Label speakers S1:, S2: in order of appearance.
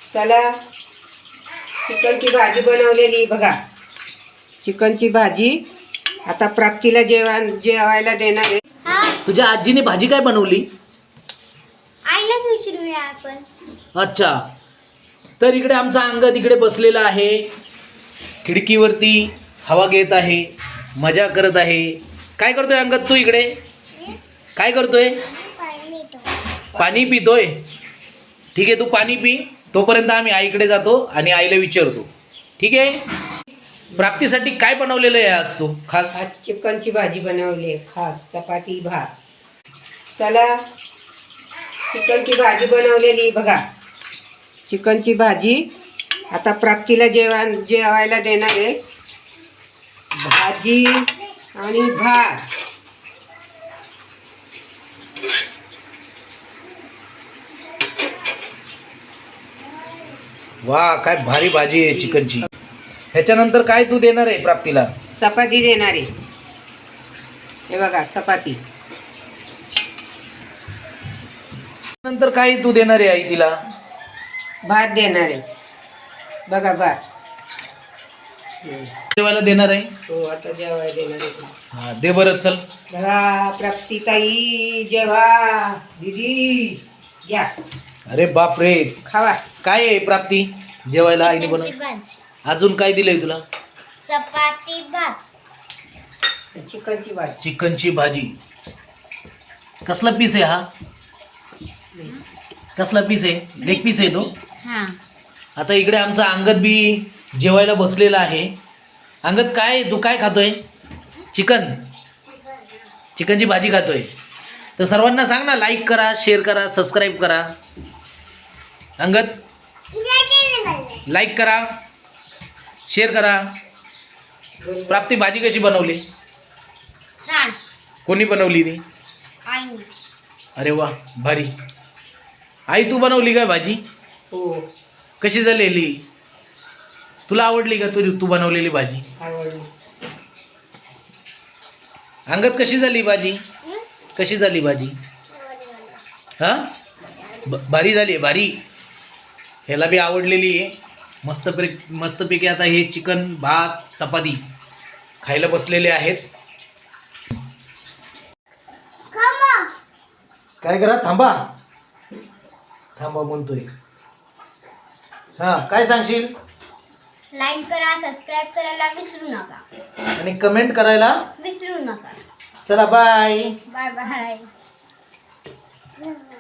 S1: चला चिकनची भाजी बनवलेली बघा. चिकनची भाजी आता प्राप्तीला जेवायला देणार आहे.
S2: तुझ्या आजीने भाजी काय बनवली?
S3: आईलाच विचारूया आपण.
S2: अच्छा, तर इकडे आमचा अंगद इकडे बसलेला आहे, खिडकीवरती हवा घेत आहे, मजा करत आहे. काय करतोय अंगद तू इकडे? काय करतोय? पाणी पितोय. ठीक आहे, तू पाणी पी, तोपर्यंत आम्ही आईकडे जातो आणि आईला विचारतो. ठीक आहे. प्राप्तीसाठी काय बनवलेलं आहे आज तू खास?
S1: आज चिकनची भाजी बनवली खास, चपाती भात. चला चिकनची भाजी बनवलेली बघा. चिकनची भाजी आता प्राप्तीला जेवायला देणार आहे. भाजी आणि भात.
S2: वा, काय भारी भाजी आहे चिकनची. ह्याच्यानंतर काय तू देणार आहे प्राप्तीला?
S1: चपाती देणार आहे. हे बघा चपाती.
S2: नंतर काय तू देणार आहे आई तिला?
S1: भात देणार आहे बघा, भात.
S2: जेवायला देणार आहे.
S1: हो, आता जेवायला देणार आहे.
S2: हा, दे बरं, चल.
S1: बघा प्राप्ती ताई, जेवा. दीदी घ्या,
S2: अरे बाप रे,
S1: खावा.
S2: काय आहे प्राप्ती जेवायला आईने
S3: चिकनची
S2: बनव?
S3: भाजी,
S2: अजून काय दिलंय तुला?
S3: चपाती भात.
S1: चिकनची भाजी.
S2: चिकनची भाजी. कसला पीस आहे हा? कसला पीस आहे? लेग पीस आहे तो.
S3: हा,
S2: आता इकडे आमचा अंगद बी जेवायला बसलेला आहे. अंगद, काय तू काय खातोय? चिकनची भाजी खातोय. तर सर्वांना सांग ना, लाईक करा, शेअर करा, सबस्क्राईब करा. अंगद, लाईक करा, शेअर करा. प्राप्ती भाजी कशी बनवली?
S3: छान.
S2: कोणी बनवली ती?
S3: आई.
S2: अरे वा, भारी. आई तू बनवली काय भाजी?
S1: हो,
S2: कशी झालेली? तुला आवडली का तू बनवलेली भाजी?
S1: आवडली.
S2: अंगद, कशी झाली भाजी? कशी झाली भाजी? हां, भारी झाली आहे, भारी. ह्याला बी आवडलेली आहे. मस्तपैकी आता हे चिकन, भात, चपाती खायला बसलेले आहेत. काय करा, थांबा म्हणतोय. हां, काय सांगशील?
S3: लाईक करा, सबस्क्राईब करायला विसरू नका.
S2: आणि कमेंट करायला
S3: विसरू नका.
S2: चला, बाय.
S3: Bye bye.